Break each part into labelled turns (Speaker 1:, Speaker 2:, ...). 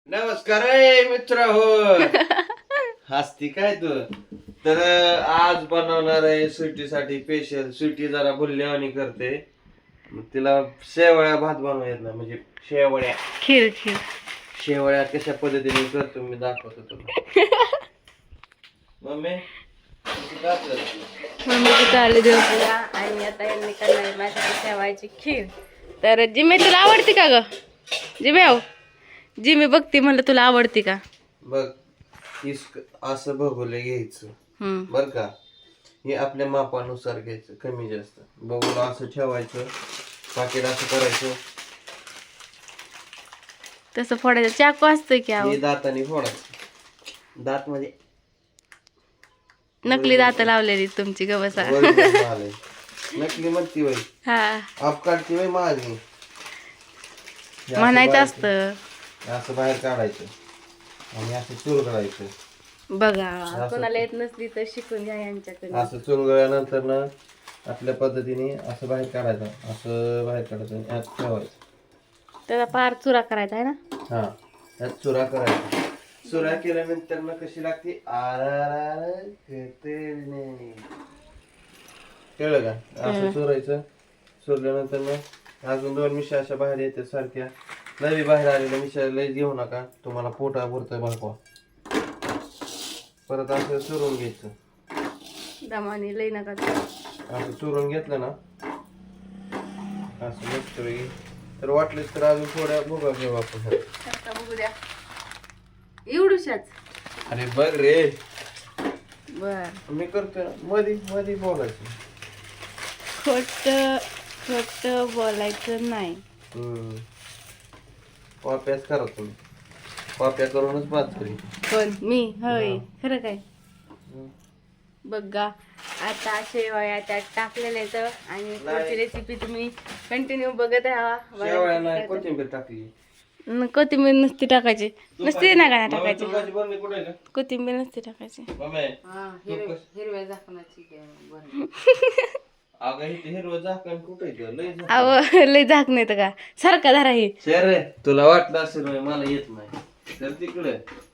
Speaker 1: नमस्कार मित्र हो. हसती काय तू. तर आज बनवणार आहे सुट्टीसाठी स्पेशल. सुट्टी जरा बुल्ल्यावानी करते, मग तिला शेवळ्या भात बनवता येत नाही, म्हणजे शेवळ्या
Speaker 2: खीर खीर
Speaker 1: शेवळ्या कशा पद्धतीने करतो मी दाखवतो तुला. मम्मी
Speaker 2: मम्मीची चालली देवपूजा आणि आता यांनी करणार माझ्यासाठी शेवायची खीर. तर जिमे तुला आवडते का ग? जिमे जिमे बघते म्हणलं तुला आवडते का?
Speaker 1: बघ, असं भगोले घ्यायचं बर का. हे आपल्या मापानुसार घ्यायचं, कमी जास्त बघून असं ठेवायचं. पाकिट असं करायचं,
Speaker 2: तसं फोडायचं. चाकू असतोय की
Speaker 1: हे दाताने फोडायचं. दात म्हणजे
Speaker 2: नकली दात लावलेली तुमची गवसा.
Speaker 1: नकली म्हणती वय
Speaker 2: हा
Speaker 1: अपकाडती वय माझी.
Speaker 2: म्हणायचं असतं.
Speaker 1: असं बाहेर काढायचं आणि असं चुरगळायचं.
Speaker 2: बघा कोणाला येत नसली तर शिकून घ्या यांच्याकडे.
Speaker 1: असं चुरगळल्यानंतर ना आपल्या पद्धतीने असं बाहेर काढायचं. असं बाहेर काढायचं आणि यात ठेवायचं.
Speaker 2: त्याचा पार चुरा करायचा आहे ना.
Speaker 1: हा, त्यात चुरा करायचा. चुरा केल्यानंतर ना कशी लागते, कळलं का? असं चुरायचं. चुरल्यानंतर ना अजून 2 मिशा अशा बाहेर येतात सारख्या. लई बाहेर आलेल्या मिशा लई घेऊ नका, तुम्हाला पोटा भरतोय भागवा. परत असं चुरून घ्यायचं.
Speaker 2: दमाने लई नका.
Speaker 1: असं चुरून घेतलं ना असं मस्त वेगळी. तर वाटलेच तर अजून थोड्या भोगा घेऊ आपण.
Speaker 2: बघू द्या एवढूशाच.
Speaker 1: अरे बघ रे,
Speaker 2: बर
Speaker 1: मी करतोय मधी मधी बोलायचं.
Speaker 2: खोट खोट बोलायचं नाही.
Speaker 1: कॉप्याच करा तुम्ही. कॉप्या करूनच बात करी.
Speaker 2: पण मी होय खरं काय. बघा आता शेवया त्यात टाकलेल्या आहेत आणि पुढची रेसिपी तुम्ही कंटिन्यू बघत राहा.
Speaker 1: शेवळ्या नाही कोथिंबीर टाकली.
Speaker 2: कोथिंबीर नसती टाकायची. नसते ना का टाकायची.
Speaker 1: तुपाची बरणी कुठे आहे का?
Speaker 2: कोथिंबीर नसते टाकायची.
Speaker 1: मम्मी,
Speaker 3: हिरव्या झाकणाची
Speaker 1: अगं इथे हिरवं झाकण कुठे आहे? लय झाकण.
Speaker 2: अहो लय झाक नाही तर का सारखा धरा हे.
Speaker 1: शेर रे, तुला वाटलं असेल होय, मला येत नाही तर तिकडे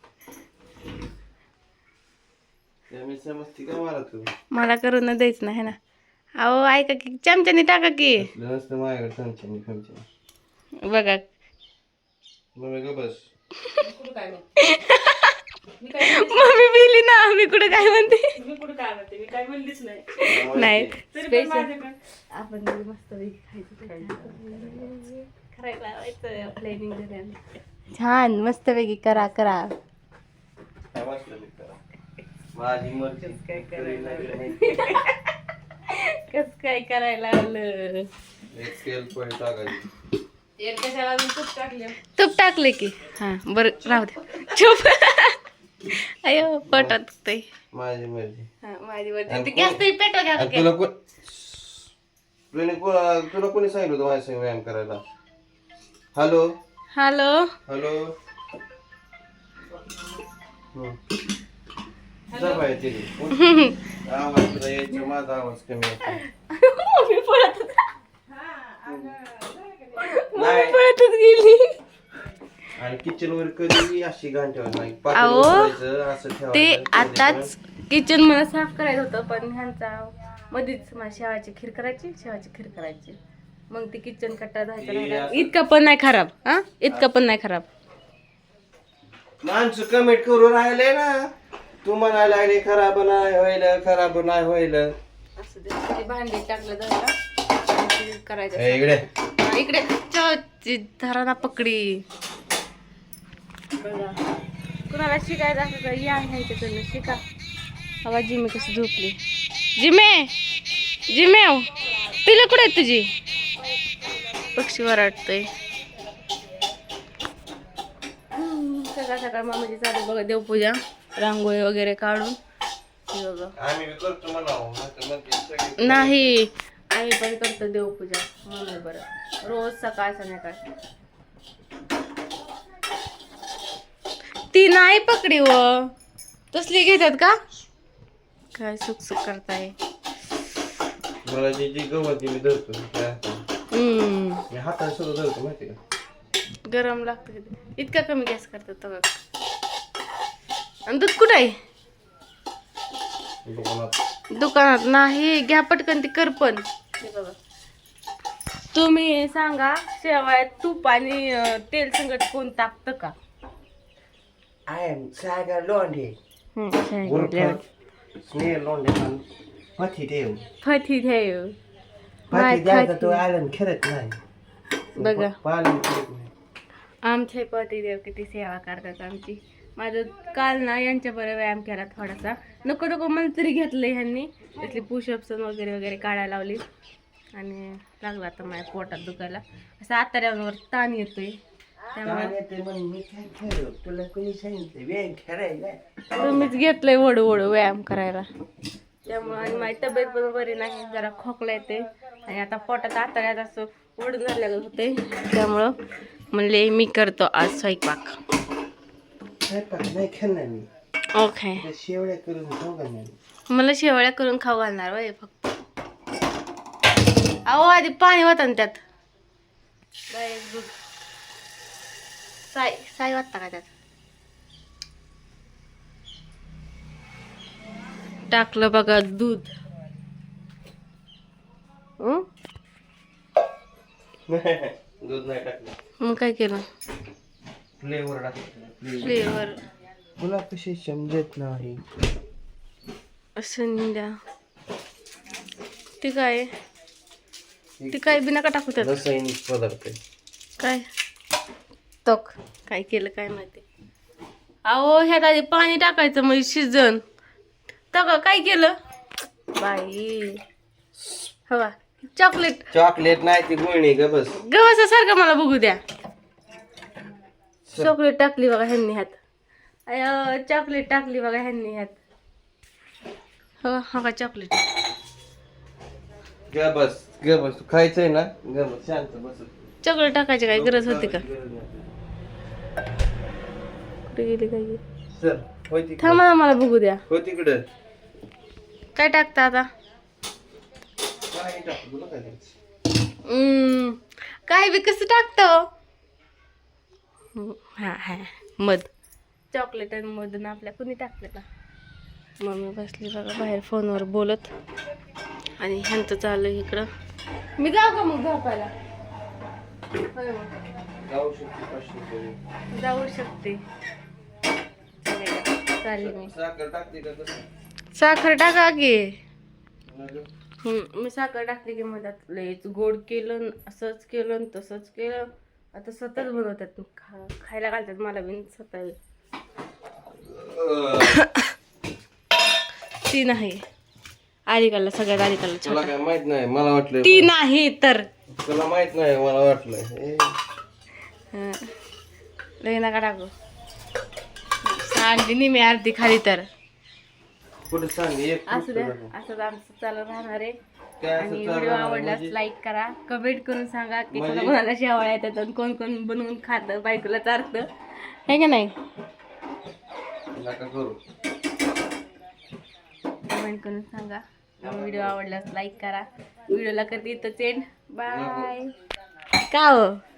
Speaker 1: मी समजते का मला तू.
Speaker 2: मला करून द्यायचं नाही ना. अहो ऐका की चमच्याने टाका की.
Speaker 1: नसतं माझ्याकडे चमच्याने.
Speaker 2: बघा
Speaker 1: मम्मी ग बस.
Speaker 2: मम्मी बिली ना. मी कुठं काय म्हणते.
Speaker 3: मी कुठं काय म्हणते, मी काय म्हणलीच नाही.
Speaker 2: नाही
Speaker 3: तरी पण
Speaker 2: स्पेशल
Speaker 3: माझ्याकडं
Speaker 2: आपण मस्त खायचं प्लॅनिंग छान मस्त वेगळी करा करा.
Speaker 1: काय वाटलं मी करा. माझी मर्जी
Speaker 3: काय
Speaker 2: कस काय करायला लागलं.
Speaker 1: एक तेल पोहे टाकायची.
Speaker 3: तेल कशाला अजून तूप टाकले.
Speaker 2: तूप टाकले की हा बरं राहू दे. चुप. अयो पोटात दुखतंय.
Speaker 1: माझी मर्जी.
Speaker 2: हा माझी वरती ते गॅस तरी पेटवा घ्या
Speaker 1: आणि
Speaker 2: का.
Speaker 1: तुला कोणी सांगितलं होतं माझ्या संग व्यायाम करायला? Hello
Speaker 2: hello
Speaker 1: hello. जा बाहेर तिथे. आवाज तुला यायचा, माझा आवाज कमी येतो.
Speaker 2: मी पळत
Speaker 1: नाही.
Speaker 2: पळतच गेली.
Speaker 1: आणि किचन वर कधी अशी घाण ठेवायची नाही.
Speaker 2: अहो,
Speaker 1: पातेलं उचलायचं, असं
Speaker 2: ते
Speaker 1: ठेवायचं.
Speaker 2: आताच किचन मला साफ करायचं होतं पण ह्यांचा मध्येच मला शेवाची खीर करायची. मग ती किचन कट्टा धुवायचा. इतका पण नाही खराब. हा इतका पण नाही खराब.
Speaker 1: माणसं कमेंट करून राहिले ना, तू म्हणायला लागले खराब नाही व्हायला, खराब नाही व्हायला.
Speaker 2: असं ते भांडी टाकलं जरा करायचं.
Speaker 1: इकडे
Speaker 2: इकडे धरा ना पकडी. बघा कुणाला शिकायचं असं तर या ह्यांच्याकडनं शिका. हवा जिमे कशी झोपली. जिमे तिला कुठे आहे तुझी. पक्षी वरडतोय. सकाळ सकाळ मामाची चालू बघा देवपूजा, रांगोळी वगैरे काढून.
Speaker 1: आम्ही करतो म्हणा.
Speaker 2: नाही आम्ही पण करतो देवपूजा म्हणून बरं रोज सकाळ संध्याकाळ. ती नाही पकडी व तसली घेतात का काय. सुख सुख करताय.
Speaker 1: मला जी गवत मी धरतो हाताने सुद्धा धरतो माहिती का.
Speaker 2: गरम लागतं किती. इतका कमी गॅस करतात तो बघ. आणि दूध कुठं आहे? दुकानात नाही. घ्या पटकन ती करपण. हे बघा. तुम्ही सांगा शेवाळ्यात तूप आणि तेल संगत कोण टाकतं का?
Speaker 1: आय एम सागर लोंढे
Speaker 2: सांगितलं.
Speaker 1: स्नेह लोंढे पती देव
Speaker 2: फती ठेव.
Speaker 1: पती द्यायचा तो आलन खेळत नाही
Speaker 2: बघा
Speaker 1: पालन करत नाही.
Speaker 2: आमचे पतिदेव किती सेवा करतात आमची. माझं काल ना यांच्या बरोबर व्यायाम केला थोडासा. नको नको मला तरी घेतलं ह्यांनी. त्यातली पुशअप्स वगैरे वगैरे काढायला लावली आणि लागला आता माझ्या पोटात दुखायला. असं आतड्यावर ताण येतोय. त्यामुळे
Speaker 1: तुला कोणी सांगितलं व्यायाम खेळायला?
Speaker 2: तुम्हीच घेतलंय वडू वडू व्यायाम करायला. त्यामुळे आणि माझी तब्येत पण बरी नाही. जरा खोकला येते आणि आता पोटात आतड्यात असं वडून झालेलं होते. त्यामुळं म्हणले मी करतो आज स्वयंपाक.
Speaker 1: स्वयंपाक नाही खेळणार मी.
Speaker 2: ओके.
Speaker 1: शेवड्या करून खाऊ घालणार.
Speaker 2: मला शेवळ्या करून खाऊ घालणार वय फक्त. अहो आधी पाणी होतं ना त्यात. दूध साय साय वाटता का त्यात? टाकलं बघा दूध.
Speaker 1: दूध नाही टाकलं.
Speaker 2: मग काय केलं?
Speaker 1: फ्लेवर टाकलं.
Speaker 2: फ्लेवर.
Speaker 1: तुला कशी समजत नाही.
Speaker 2: संध्या ते काय ते काय बिना का टाकू त्यात?
Speaker 1: रासायनिक पदार्थ आहे.
Speaker 2: काय तक काय केलं काय माहिती. अहो ह्यात आधी पाणी टाकायचं म्हणजे शिजन. तक काय केलं बाई? हवा चॉकलेट.
Speaker 1: चॉकलेट नाही ती गुळणी ग बस.
Speaker 2: गव्हासारखं मला बघू द्या. चॉकलेट टाकली बघा ह्यांनी ह्यात. अय चॉकलेट टाकली बघा ह्यांनी ह्यात. हो हा का चॉकलेट.
Speaker 1: ग बस ग बस. तू खायचंय ना ग बस शांत बस.
Speaker 2: चॉकलेट टाकायची काय गरज होती का? कुठे गेली काय गेली?
Speaker 1: सर होय तिकडे.
Speaker 2: थांबा ना मला बघू द्या.
Speaker 1: हो तिकडे
Speaker 2: काय टाकता आता?
Speaker 1: काय टाकू तुला काय करायचं?
Speaker 2: काय बी कसं टाकतं? हा हा मध. चॉकलेट आणि मध ना आपल्या कुणी टाकलेला. मम्मी बसली बघा बाहेर फोनवर बोलत आणि ह्यांचं चाललं इकडं. मी जाऊ का मग झोपायला? होय मग.
Speaker 1: जाऊ शकते 500 रुपये.
Speaker 2: जाऊ शकते. चालेल मी.
Speaker 1: साखर टाकते का कसं?
Speaker 2: साखर टाका की. मी साखर टाकली की मधात लयच गोड केलं. असंच केलं आणि तसंच केलं. आता स्वतःच बनवतात. खायला घालतात मला बिन स्वतः. ती नाही आलिकाला सगळ्यात आलिकाला
Speaker 1: तुला काय माहित नाही. मला वाटलं
Speaker 2: ती नाही तर
Speaker 1: तुला माहित नाही. मला वाटलं
Speaker 2: लय नका टाकू. सांडली मी अर्धी खाली तर.
Speaker 1: कुठे सांग एक
Speaker 2: असं द्या. असंच आमचं चालू राहणार आहे.
Speaker 1: काय असं
Speaker 2: आणि
Speaker 1: चालू
Speaker 2: व्हिडिओ
Speaker 1: राहणार
Speaker 2: आवडल्यास
Speaker 1: म्हणजे?
Speaker 2: लाईक करा. कमेंट करून सांगा की
Speaker 1: म्हणजे?
Speaker 2: कोणाला शेवाळ्या येतात आणि कोण कोण बनवून खातं बायकोला चारतं हे का नाही.
Speaker 1: नका करू.
Speaker 2: कमेंट करून सांगा. व्हिडिओ आवडल्यास लाईक करा. व्हिडिओला करते इथं एंड. बाय. का हो